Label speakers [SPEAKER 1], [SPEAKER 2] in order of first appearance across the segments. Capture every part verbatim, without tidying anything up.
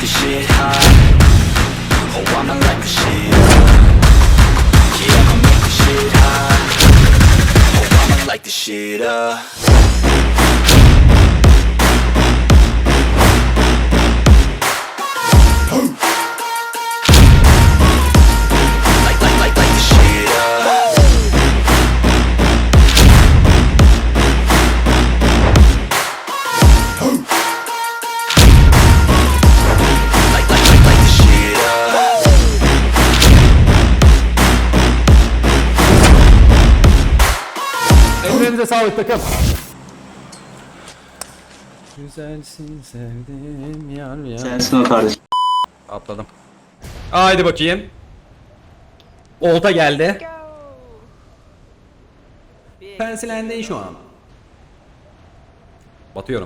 [SPEAKER 1] the shit hot. Oh, I'ma light the shit up. Yeah, I'ma make the shit hot. Oh, I'ma light the shit up. Light, light, light, light the shit up. Light, light, light, light the shit up.
[SPEAKER 2] Ellerinize sağlık takım. Güzelsin sevdim yar ya.
[SPEAKER 3] Sensin o kardeşim.
[SPEAKER 2] Atladım. Haydi bakayım. Olta geldi. Pensilendi şu an. Batıyorum.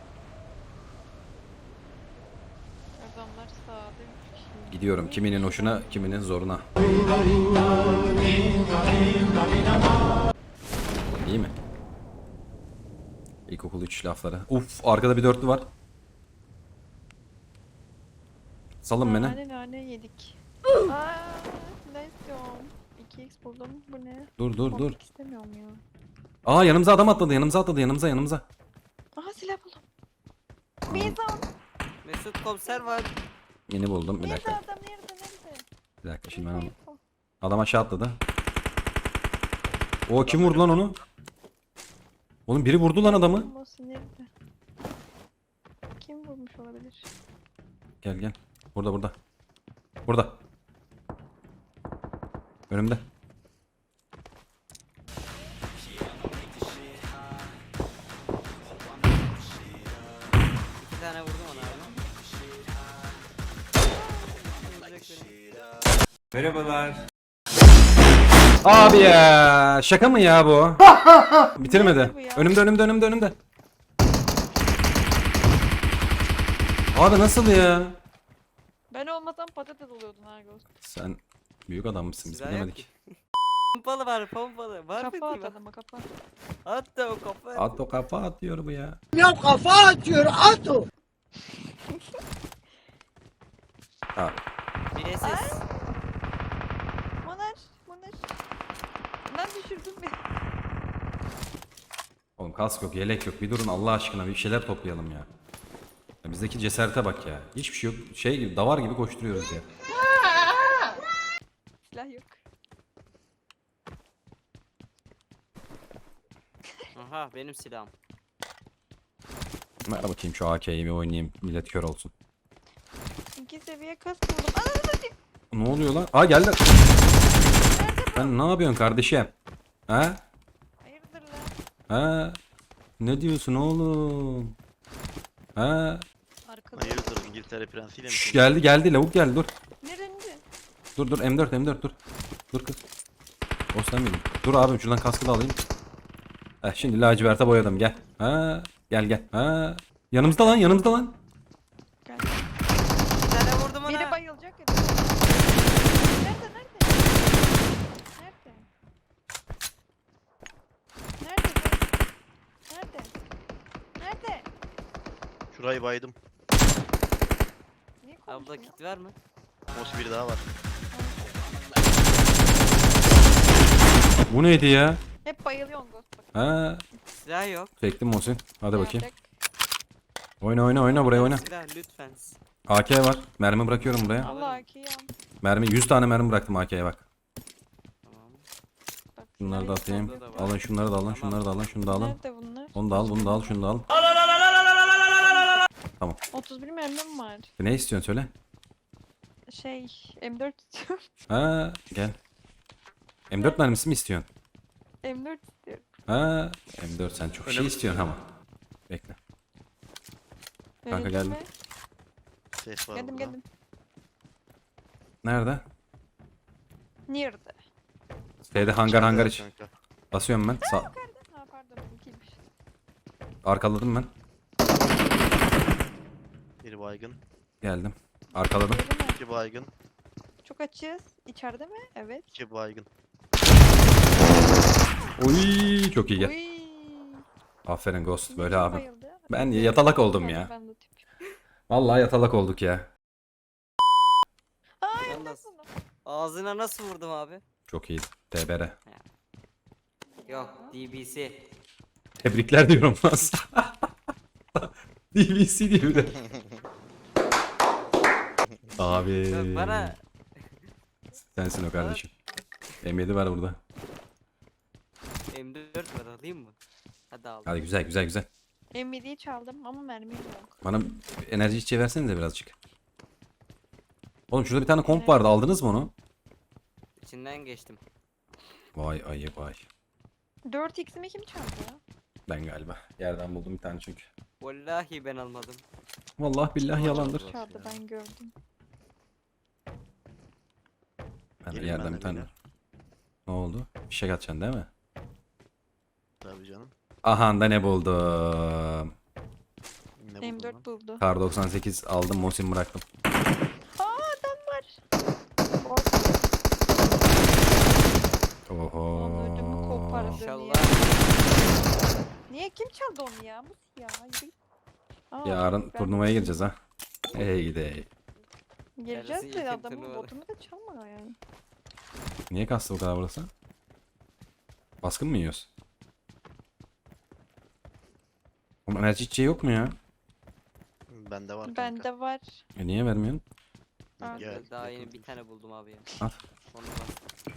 [SPEAKER 4] Adamlar sağda üç kişi.
[SPEAKER 2] Gidiyorum. Kiminin hoşuna, kiminin zoruna. İyi mi? İlkokul üç lafları. Uf, arkada bir dörtlü var. Salın beni.
[SPEAKER 4] Nane nane yedik. Aaa ne istiyorum? iki x buldum. Bu ne?
[SPEAKER 2] Dur dur dur.
[SPEAKER 4] Komik istemiyorum ya.
[SPEAKER 2] Aa, yanımıza adam atladı. Yanımıza atladı. Yanımıza yanımıza.
[SPEAKER 4] Aha silah buldum. Mizan.
[SPEAKER 5] Mesut komiser var.
[SPEAKER 2] Yeni buldum. Bir
[SPEAKER 4] Nerede
[SPEAKER 2] dakika.
[SPEAKER 4] adam? Nerede? Nerede?
[SPEAKER 2] Bir dakika şimdi ben onu.
[SPEAKER 4] Info.
[SPEAKER 2] Adam aşağı atladı. O kim vurdu lan onu? Oğlum biri vurdu lan adamı.
[SPEAKER 4] Olsun, nerede? Kim vurmuş olabilir?
[SPEAKER 2] Gel gel. Burada burada. Burada. Önümde.
[SPEAKER 5] İki tane vurdum ona abi.
[SPEAKER 2] Abi ya, şaka mı ya bu? Bitirmedi.
[SPEAKER 4] bu ya?
[SPEAKER 2] Önümde önümde önümde önümde. Abi nasıl ya?
[SPEAKER 4] Ben olmasam patates oluyordun ha Ghost.
[SPEAKER 2] Sen büyük adam mısın, biz
[SPEAKER 5] Silah yok
[SPEAKER 2] bilemedik.
[SPEAKER 5] ki. Pompalı var pompalı. Var
[SPEAKER 4] Kafa
[SPEAKER 5] mı?
[SPEAKER 4] at adama kafa.
[SPEAKER 5] At da o kafa.
[SPEAKER 2] At o kafa atıyor bu ya. Abi
[SPEAKER 5] Bir S S.
[SPEAKER 4] Monar. Monar. Lan düşürdün beni.
[SPEAKER 2] oğlum kask yok, yelek yok. Bir durun Allah aşkına, bir şeyler toplayalım ya. Ya bizdeki cesarete bak ya. Hiçbir şey yok. Şey gibi, davar gibi koşturuyoruz ya.
[SPEAKER 4] Silah yok.
[SPEAKER 5] Aha benim silahım.
[SPEAKER 2] Ver bakayım şu A K'yi bir oynayayım. Millet kör olsun.
[SPEAKER 4] İki seviye kas buldum. Ananı satayım.
[SPEAKER 2] Ne oluyor lan? Aa geldi. Sen ne yapıyorsun kardeşim? Ha?
[SPEAKER 4] Hayırdır lan?
[SPEAKER 2] Ha? Ne diyorsun oğlum? Ha?
[SPEAKER 4] Arkada.
[SPEAKER 6] Hayırdır İngiltere prensiyle mi?
[SPEAKER 2] Şş, geldi geldi lavuk geldi dur.
[SPEAKER 4] Nerede?
[SPEAKER 2] Dur dur M dört M dört dur. Dur kız. O sen miydin? Dur abim şuradan kaskı da alayım. Heh, şimdi laciverte boyadım gel. Ha? Gel gel. Ha? Yanımızda lan yanımızda lan.
[SPEAKER 4] Gel.
[SPEAKER 5] Bir tane vurdum ona.
[SPEAKER 4] Biri bayılacak ya. Nerede nerede? Nerede? Nerede? Nerede? Nerede?
[SPEAKER 6] Şurayı baydım.
[SPEAKER 4] Niye
[SPEAKER 5] Abla
[SPEAKER 4] konuşmuyor?
[SPEAKER 5] kit var mı?
[SPEAKER 6] Mos biri daha var.
[SPEAKER 2] Bu neydi ya?
[SPEAKER 4] Hep bayılıyorsun Ghost bak.
[SPEAKER 2] Ha?
[SPEAKER 5] Silah yok.
[SPEAKER 2] Çektim Muhsin. Hadi
[SPEAKER 4] Ne
[SPEAKER 2] bakayım.
[SPEAKER 4] yapacak?
[SPEAKER 2] Oyna oyna oyna buraya oyna.
[SPEAKER 5] Silah lütfen.
[SPEAKER 2] A K var. Mermi bırakıyorum buraya.
[SPEAKER 4] Allah ki ya.
[SPEAKER 2] Mermi yüz tane mermi bıraktım A K'ye bak.
[SPEAKER 5] Tamam.
[SPEAKER 4] Bak,
[SPEAKER 2] Şunları da atayım.
[SPEAKER 5] Burada da var.
[SPEAKER 2] Alın şunları da alın, şunları da alın, şunu da alın.
[SPEAKER 4] Nerede bunlar?
[SPEAKER 2] Onu da al, bunu da al, şunu da al. Tamam.
[SPEAKER 4] otuz bir mermim var.
[SPEAKER 2] Ne istiyorsun söyle.
[SPEAKER 4] Şey M dört istiyorum.
[SPEAKER 2] Ha, gel. M dört mermisi mi istiyorsun?
[SPEAKER 4] M dört istiyorum.
[SPEAKER 2] Ha, M dört sen çok şey istiyorsun ama. Bekle. Kanka
[SPEAKER 4] Verelim
[SPEAKER 2] geldim.
[SPEAKER 4] mi?
[SPEAKER 6] Ses var
[SPEAKER 4] Geldim
[SPEAKER 6] burada.
[SPEAKER 4] geldim.
[SPEAKER 2] Nerede?
[SPEAKER 4] Nerede?
[SPEAKER 2] Şeyde hangar hangar iç.
[SPEAKER 6] Kanka.
[SPEAKER 2] Basıyorum ben. Sa
[SPEAKER 4] Ha pardon benimkiymiş.
[SPEAKER 2] arkaladım ben.
[SPEAKER 6] Biri baygın.
[SPEAKER 2] Geldim. Arkaladım.
[SPEAKER 4] Verelim mi?
[SPEAKER 6] İki baygın.
[SPEAKER 4] Çok açız. İçeride mi? Evet.
[SPEAKER 6] İki baygın.
[SPEAKER 2] Oy, çok iyi gel.
[SPEAKER 4] Uy.
[SPEAKER 2] Aferin Ghost. Böyle
[SPEAKER 4] Kim
[SPEAKER 2] abi.
[SPEAKER 4] bayıldı?
[SPEAKER 2] Ben yatalak oldum ya.
[SPEAKER 4] Ben de tip.
[SPEAKER 2] Vallahi yatalak olduk ya.
[SPEAKER 5] Ağzına nasıl vurdum abi?
[SPEAKER 2] Çok iyi. T B R.
[SPEAKER 5] Yok D B C.
[SPEAKER 2] Tebrikler diyorum lan. D B C diyor bir de. Abi.
[SPEAKER 5] Yok bana
[SPEAKER 2] Sensin o kardeşim. M yedi var burada.
[SPEAKER 5] M dört var, alayım mı? Hadi al.
[SPEAKER 2] Hadi güzel güzel güzel.
[SPEAKER 4] M yediyi çaldım ama mermim yok.
[SPEAKER 2] Bana enerji içeceği versenize birazcık. Oğlum şurada bir tane komp vardı. Aldınız mı onu?
[SPEAKER 5] İçinden geçtim.
[SPEAKER 2] Vay ayı vay.
[SPEAKER 4] dört x'imi kim çaldı ya?
[SPEAKER 2] Ben galiba. Yerden buldum bir tane çünkü.
[SPEAKER 5] Vallahi ben almadım.
[SPEAKER 2] Vallahi billahi yalandır.
[SPEAKER 4] Çaldı ben gördüm.
[SPEAKER 2] Ben de
[SPEAKER 6] Gelin
[SPEAKER 2] yerden
[SPEAKER 6] ben de
[SPEAKER 2] bir tane.
[SPEAKER 6] beyler.
[SPEAKER 2] Ne oldu? Fişek atacaksın değil mi?
[SPEAKER 6] Tabii canım.
[SPEAKER 2] Aha da ne buldum.
[SPEAKER 6] Ne
[SPEAKER 4] M
[SPEAKER 6] buldun
[SPEAKER 4] dört
[SPEAKER 6] lan?
[SPEAKER 4] buldu.
[SPEAKER 2] Kar doksan sekiz aldım. Mosin bıraktım.
[SPEAKER 4] Aa adam var.
[SPEAKER 2] Oho.
[SPEAKER 4] Ödümü kopardı.
[SPEAKER 5] İnşallah.
[SPEAKER 4] Niye kim çaldı onu ya? Bu ya. Yürü. Aa,
[SPEAKER 2] Yarın
[SPEAKER 4] ben-
[SPEAKER 2] turnuvaya gireceğiz ha. Hey gidey.
[SPEAKER 4] Gireceğiz
[SPEAKER 5] Yarısı
[SPEAKER 4] de
[SPEAKER 5] yakın
[SPEAKER 4] adamın
[SPEAKER 5] turnuvada.
[SPEAKER 4] botunu da çalma yani.
[SPEAKER 2] Niye kastı bu kadar burası? Baskın mı yiyoruz? Oğlum enerji içeceği yok mu ya?
[SPEAKER 6] Bende var kanka.
[SPEAKER 4] Bende var.
[SPEAKER 2] E niye vermiyorsun?
[SPEAKER 4] Aa,
[SPEAKER 6] Gel,
[SPEAKER 5] Daha
[SPEAKER 6] yakın
[SPEAKER 5] yeni bir
[SPEAKER 6] dur.
[SPEAKER 5] tane buldum abi ya.
[SPEAKER 2] Al.
[SPEAKER 5] Onu bas.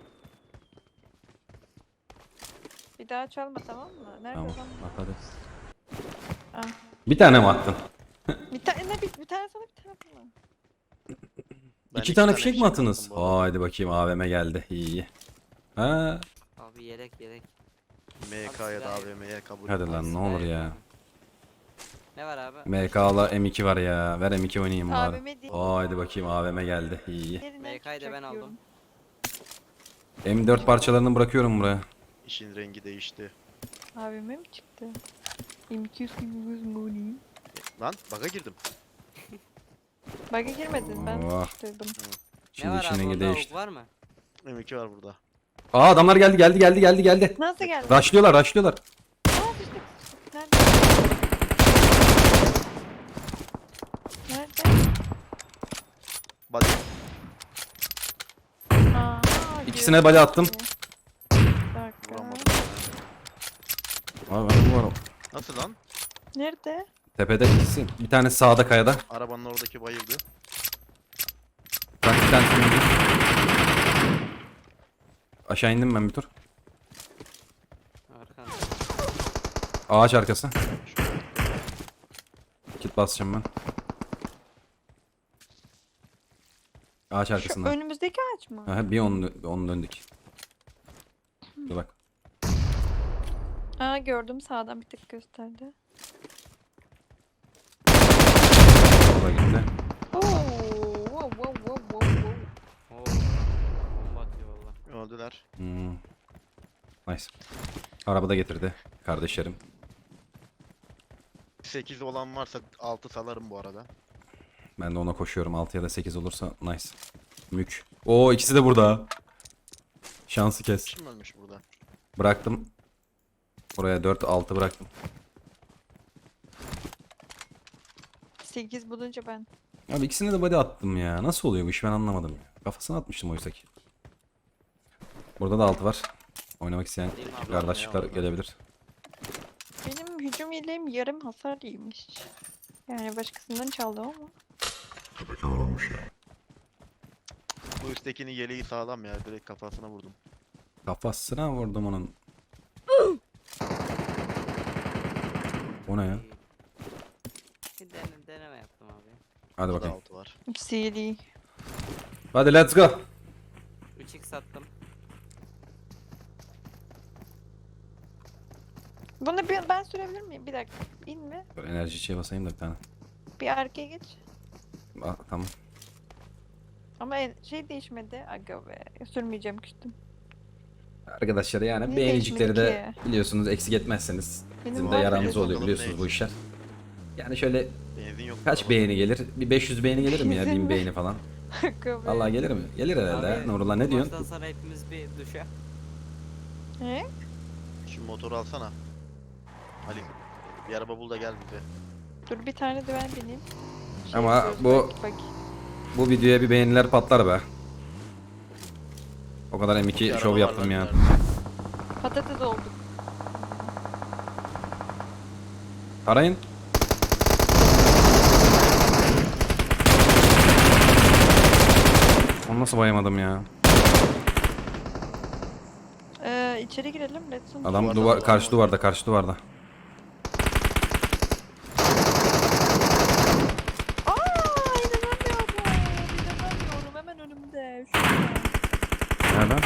[SPEAKER 4] Bir daha çalma tamam mı? Nerede
[SPEAKER 2] Tamam.
[SPEAKER 4] adam?
[SPEAKER 2] At hadi.
[SPEAKER 4] Ah.
[SPEAKER 2] Bir tane mi attın?
[SPEAKER 4] Bir tane bir, bir tane sana bir tane bana.
[SPEAKER 6] Ben
[SPEAKER 2] İki tane fişek mi
[SPEAKER 6] fişek
[SPEAKER 2] attınız?
[SPEAKER 6] attım bu arada.
[SPEAKER 2] Haydi bakayım A V M geldi. İyi iyi. Ha,
[SPEAKER 5] Abi yelek yelek.
[SPEAKER 6] M K ya da
[SPEAKER 5] Abi,
[SPEAKER 6] A V M'ye kabul.
[SPEAKER 2] hadi lan ne olur ya.
[SPEAKER 5] Ne var abi?
[SPEAKER 2] M K'la M iki var ya. Ver M iki oynayayım bari.
[SPEAKER 4] A V M değil.
[SPEAKER 2] Haydi bakayım A V M geldi. İyi iyi.
[SPEAKER 4] Yerinden
[SPEAKER 5] M K'yı da ben
[SPEAKER 4] çıkacak
[SPEAKER 5] aldım.
[SPEAKER 4] diyorum.
[SPEAKER 2] M dört parçalarını bırakıyorum buraya.
[SPEAKER 6] İşin rengi değişti.
[SPEAKER 4] A V M mi çıktı? M iki yüz money.
[SPEAKER 6] Lan bug'a girdim.
[SPEAKER 4] Bug'a girmedin ben
[SPEAKER 2] Oh.
[SPEAKER 4] tutuşturdum.
[SPEAKER 5] Ne
[SPEAKER 2] Şimdi
[SPEAKER 5] var
[SPEAKER 2] işin
[SPEAKER 5] abi?
[SPEAKER 2] rengi
[SPEAKER 5] Orada
[SPEAKER 2] değişti.
[SPEAKER 5] ok var mı?
[SPEAKER 6] M iki var burada.
[SPEAKER 2] Aa adamlar geldi geldi geldi geldi geldi.
[SPEAKER 4] Nasıl geldi?
[SPEAKER 2] Raşlıyorlar raşlıyorlar.
[SPEAKER 4] Aa düştük. Nerede? Nerede?
[SPEAKER 6] Body.
[SPEAKER 4] Aa,
[SPEAKER 2] İkisine bala attım.
[SPEAKER 4] Bir dakika.
[SPEAKER 6] Vuramadım.
[SPEAKER 2] Abi ben bu var.
[SPEAKER 6] Nasıl lan?
[SPEAKER 4] Nerede?
[SPEAKER 2] Tepede ikisi. Bir tane sağda kayada.
[SPEAKER 6] Arabanın oradaki bayıldı.
[SPEAKER 2] Bak bir tane indim. Aşağı indim ben bir tur.
[SPEAKER 5] Arkanda.
[SPEAKER 2] Ağaç arkası. Kit basacağım ben. Ağaç
[SPEAKER 4] Şu
[SPEAKER 2] arkasında.
[SPEAKER 4] önümüzdeki ağaç mı?
[SPEAKER 2] Ha, bir onu, onu döndük. Dur bak.
[SPEAKER 4] Aa gördüm sağdan bir tık gösterdi.
[SPEAKER 2] Orada gitti.
[SPEAKER 4] Oo, wow, wow, wow, wow, wow.
[SPEAKER 5] Oo. Bomba atıyor valla.
[SPEAKER 6] Öldüler.
[SPEAKER 2] Hmm. Nice. Arabada getirdi kardeşlerim.
[SPEAKER 6] sekiz olan varsa altı salarım bu arada.
[SPEAKER 2] Ben de ona koşuyorum. altı ya da sekiz olursa nice. Mük. Oo ikisi de burada. Şansı kes.
[SPEAKER 6] Kim ölmüş burada?
[SPEAKER 2] Bıraktım. Oraya dört altı bıraktım.
[SPEAKER 4] sekiz bulunca ben.
[SPEAKER 2] Abi ikisine de body attım ya. Nasıl oluyor bu iş ben anlamadım ya. Kafasına atmıştım oysa ki. Burada da altı var. Oynamak isteyen
[SPEAKER 5] Değil mi abi?
[SPEAKER 2] kardeşlikler
[SPEAKER 6] orada?
[SPEAKER 2] gelebilir.
[SPEAKER 4] Benim hücum yeleğim yarım hasar yemiş. Yani başkasından çaldım ama.
[SPEAKER 6] Bu üsttekinin yeleği sağlam ya. Direkt kafasına vurdum.
[SPEAKER 2] Kafasına vurdum onun. O ne ya?
[SPEAKER 5] Bir dene, deneme yaptım abi.
[SPEAKER 2] Hadi
[SPEAKER 6] Burada
[SPEAKER 2] bakalım.
[SPEAKER 6] altı var.
[SPEAKER 4] Seri.
[SPEAKER 2] Hadi let's go.
[SPEAKER 5] üç x sattım.
[SPEAKER 4] Bunu bir, ben sürebilir miyim? Bir dakika. İnme.
[SPEAKER 2] Dur enerji içeye basayım da bir tane.
[SPEAKER 4] Bir arkaya geç.
[SPEAKER 2] Aa, tamam.
[SPEAKER 4] Ama en- şey değişmedi. Aga be. Sürmeyeceğim küstüm.
[SPEAKER 2] Arkadaşlar yani
[SPEAKER 4] Niye
[SPEAKER 2] beğenicikleri de
[SPEAKER 4] değişmedi
[SPEAKER 2] biliyorsunuz eksik etmezseniz
[SPEAKER 4] Benim
[SPEAKER 2] bizim de
[SPEAKER 4] var
[SPEAKER 2] yaramız
[SPEAKER 6] ya.
[SPEAKER 2] oluyor biliyorsunuz
[SPEAKER 6] Bakalım
[SPEAKER 2] bu işler. Yani şöyle
[SPEAKER 6] Benzin yok.
[SPEAKER 2] kaç
[SPEAKER 6] arabada.
[SPEAKER 2] beğeni gelir? Bir beş yüz beğeni gelir mi ya?
[SPEAKER 4] Bizim
[SPEAKER 2] bin
[SPEAKER 4] mi?
[SPEAKER 2] beğeni falan.
[SPEAKER 4] Aga be.
[SPEAKER 2] Vallahi gelir mi? Gelir herhalde.
[SPEAKER 5] Abi,
[SPEAKER 2] ha. Nurullah ne
[SPEAKER 5] bu
[SPEAKER 2] diyorsun?
[SPEAKER 5] maçtan sonra hepimiz bir duşa.
[SPEAKER 4] He?
[SPEAKER 6] Şu motoru alsana. Ali. Bir araba bul da gel bize.
[SPEAKER 4] Dur bir tane de ben bineyim. Şey
[SPEAKER 2] Ama
[SPEAKER 4] yapıyoruz,
[SPEAKER 2] bu-
[SPEAKER 4] Bak, bak.
[SPEAKER 2] Bu videoya bir beğeniler patlar be. O kadar M
[SPEAKER 6] Bir
[SPEAKER 2] iki
[SPEAKER 6] araba
[SPEAKER 2] şov
[SPEAKER 6] var
[SPEAKER 2] yaptım
[SPEAKER 6] lan
[SPEAKER 2] ya.
[SPEAKER 6] ileride.
[SPEAKER 4] Patates olduk.
[SPEAKER 2] Arayın. Onu nasıl bayamadım ya?
[SPEAKER 4] Ee, içeri girelim. Let's go.
[SPEAKER 2] Adam
[SPEAKER 6] Duvarda
[SPEAKER 2] duvar
[SPEAKER 6] adam
[SPEAKER 2] karşı
[SPEAKER 6] var.
[SPEAKER 2] duvarda, karşı duvarda.
[SPEAKER 4] Aa, inanamıyorum. İnanamıyorum. Hemen önümde. Şurada.
[SPEAKER 2] Nereden?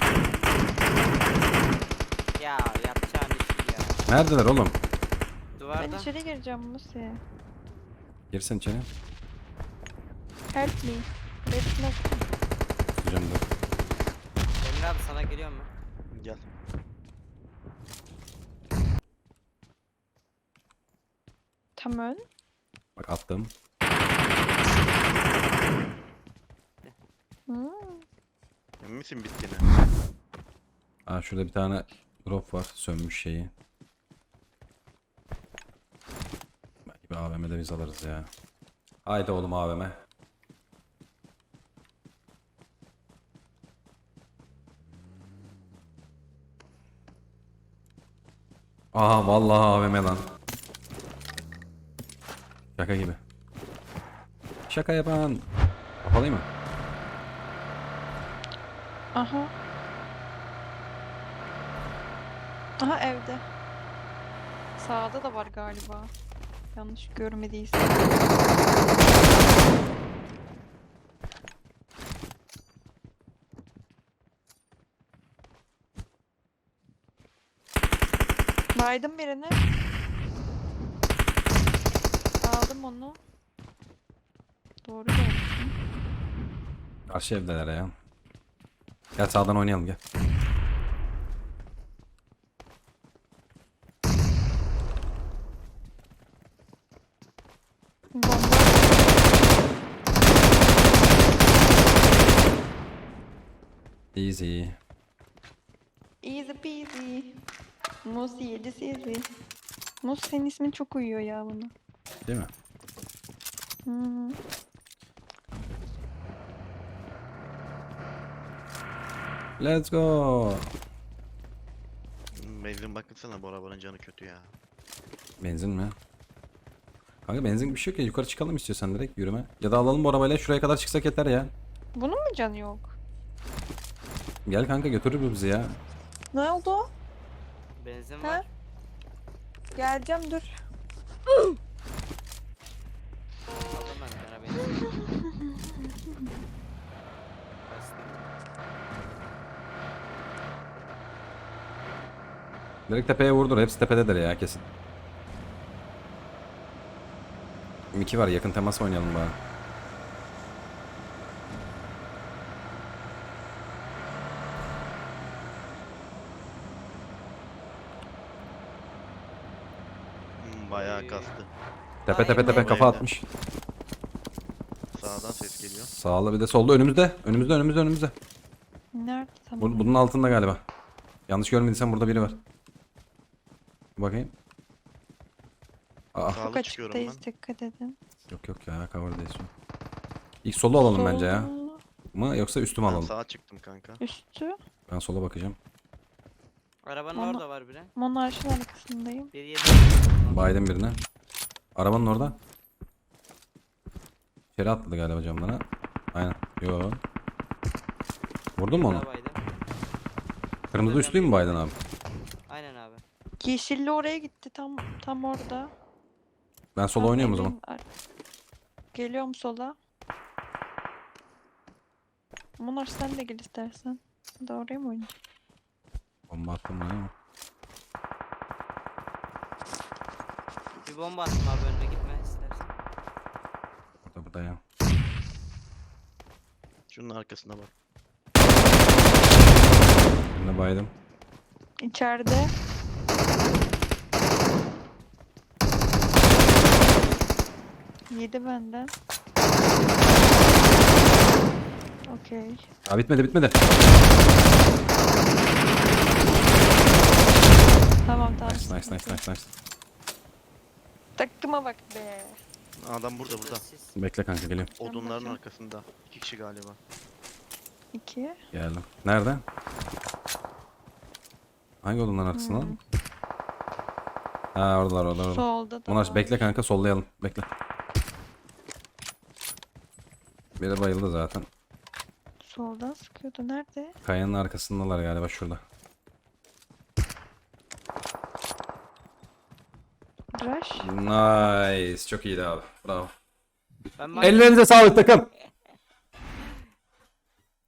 [SPEAKER 5] Ya yapacağın işi ya.
[SPEAKER 2] Neredeler oğlum?
[SPEAKER 4] Ben
[SPEAKER 5] Duvarda.
[SPEAKER 4] içeri gireceğim Musi.
[SPEAKER 2] Girsen içeri.
[SPEAKER 4] Help me. Let's not.
[SPEAKER 2] Tutacağım dur.
[SPEAKER 5] Emre abi sana geliyor mu?
[SPEAKER 6] Gel.
[SPEAKER 4] Tamam.
[SPEAKER 2] Bak attım.
[SPEAKER 4] Hmm.
[SPEAKER 6] Emin misin bittiğine?
[SPEAKER 2] Aa şurada bir tane drop var. Sönmüş şeyi. Belki bir A V M'de biz alırız ya. Haydi oğlum A V M. Aha vallahi A V M lan. Şaka gibi. Şaka yapan. Kapalayım mı?
[SPEAKER 4] Aha. Aha evde. Sağda da var galiba. Yanlış görmediysem. Baydım birini. Aldım onu. Doğru görmüşüm.
[SPEAKER 2] Karşı evdeler ya. Gel sağdan oynayalım gel.
[SPEAKER 4] Bomba.
[SPEAKER 2] Easy.
[SPEAKER 4] Easy peasy. Mus yedi sizi. Mus senin ismin çok uyuyor ya buna.
[SPEAKER 2] Değil mi?
[SPEAKER 4] Hı.
[SPEAKER 2] Let's go.
[SPEAKER 6] Benzin bakınsana bu arabanın canı kötü ya.
[SPEAKER 2] Benzin mi? Kanka benzin bir şey yok ya. Yukarı çıkalım istiyorsan direkt yürüme. Ya da alalım bu arabayla şuraya kadar çıksak yeter ya.
[SPEAKER 4] Bunun mu canı yok?
[SPEAKER 2] Gel kanka götürür bu bizi ya.
[SPEAKER 4] Ne oldu?
[SPEAKER 5] Benzin
[SPEAKER 4] Ha?
[SPEAKER 5] var.
[SPEAKER 4] Geleceğim dur.
[SPEAKER 5] Aldım ben sana benzin. Bastım.
[SPEAKER 2] Direkt tepeye vurdur. Hepsi tepededir ya kesin. iki var yakın temas oynayalım bari.
[SPEAKER 6] Hmm, bayağı kastı.
[SPEAKER 2] Tepe tepe
[SPEAKER 5] Ay,
[SPEAKER 2] tepe
[SPEAKER 6] ay,
[SPEAKER 2] kafa
[SPEAKER 6] ay.
[SPEAKER 2] atmış.
[SPEAKER 6] Sağdan ses geliyor.
[SPEAKER 2] Sağlı bir de solda önümüzde. Önümüzde önümüzde önümüzde.
[SPEAKER 4] Nerede tamam.
[SPEAKER 2] Bu- bunun altında galiba. Yanlış görmediysen burada biri var. Bakayım. Aa,
[SPEAKER 6] Sağlı
[SPEAKER 4] Çok
[SPEAKER 6] çıkıyorum
[SPEAKER 4] açıktayız
[SPEAKER 6] ben.
[SPEAKER 4] dikkat edin.
[SPEAKER 2] yok yok ya cover'dayız şu an. İlk solu alalım bence ya.
[SPEAKER 4] Sol,
[SPEAKER 2] Mı yoksa üstü mü
[SPEAKER 6] Ben
[SPEAKER 2] alalım?
[SPEAKER 6] sağa çıktım kanka.
[SPEAKER 4] Üstü.
[SPEAKER 2] Ben sola bakacağım.
[SPEAKER 5] Arabanın
[SPEAKER 4] Ama-
[SPEAKER 5] orada var biri.
[SPEAKER 4] Monarşın arkasındayım.
[SPEAKER 5] Bir yedi.
[SPEAKER 2] Biden birine. Arabanın orada. İçeri atladı galiba camdan ha. Aynen. Yo. Vurdun mu onu?
[SPEAKER 5] Arabaydı.
[SPEAKER 2] Kırmızı üstlüyü mü Biden abi?
[SPEAKER 5] Aynen abi.
[SPEAKER 4] Yeşilli oraya gitti tam tam orada.
[SPEAKER 2] Ben sola
[SPEAKER 4] Tam
[SPEAKER 2] oynuyorum o
[SPEAKER 4] evin
[SPEAKER 2] zaman.
[SPEAKER 4] ar- Geliyorum sola. Monar sen de gel istersen. Da oraya mı oynayayım?
[SPEAKER 2] Bomba attım ben ama.
[SPEAKER 5] Bir bomba attım abi önüne gitme istersen.
[SPEAKER 2] Burada burada ya.
[SPEAKER 6] Şunun arkasına bak.
[SPEAKER 2] Birine baydım.
[SPEAKER 4] İçeride. Yedi benden. Okey.
[SPEAKER 2] Aa bitmedi bitmedi.
[SPEAKER 4] Tamam tamam.
[SPEAKER 2] Nice nice nice nice nice.
[SPEAKER 4] Takıma bak be.
[SPEAKER 6] Adam burada burada.
[SPEAKER 5] Siz-
[SPEAKER 2] Bekle kanka geliyorum.
[SPEAKER 6] Odunların
[SPEAKER 4] bakayım.
[SPEAKER 6] arkasında. İki kişi galiba.
[SPEAKER 4] İki.
[SPEAKER 2] Geldim. Nerede? Hangi odanın arkasında?
[SPEAKER 4] Hmm.
[SPEAKER 2] Ha oradalar oradalar. orada.
[SPEAKER 4] Solda da
[SPEAKER 2] Munar
[SPEAKER 4] var.
[SPEAKER 2] bekle kanka sollayalım. Bekle. Biri bayıldı zaten.
[SPEAKER 4] Soldan sıkıyordu. Nerede?
[SPEAKER 2] Kayanın arkasındalar galiba şurada.
[SPEAKER 4] Rush.
[SPEAKER 2] Nice. Çok iyiydi abi. Bravo.
[SPEAKER 5] Ben bak-
[SPEAKER 2] Ellerinize sağlık takım.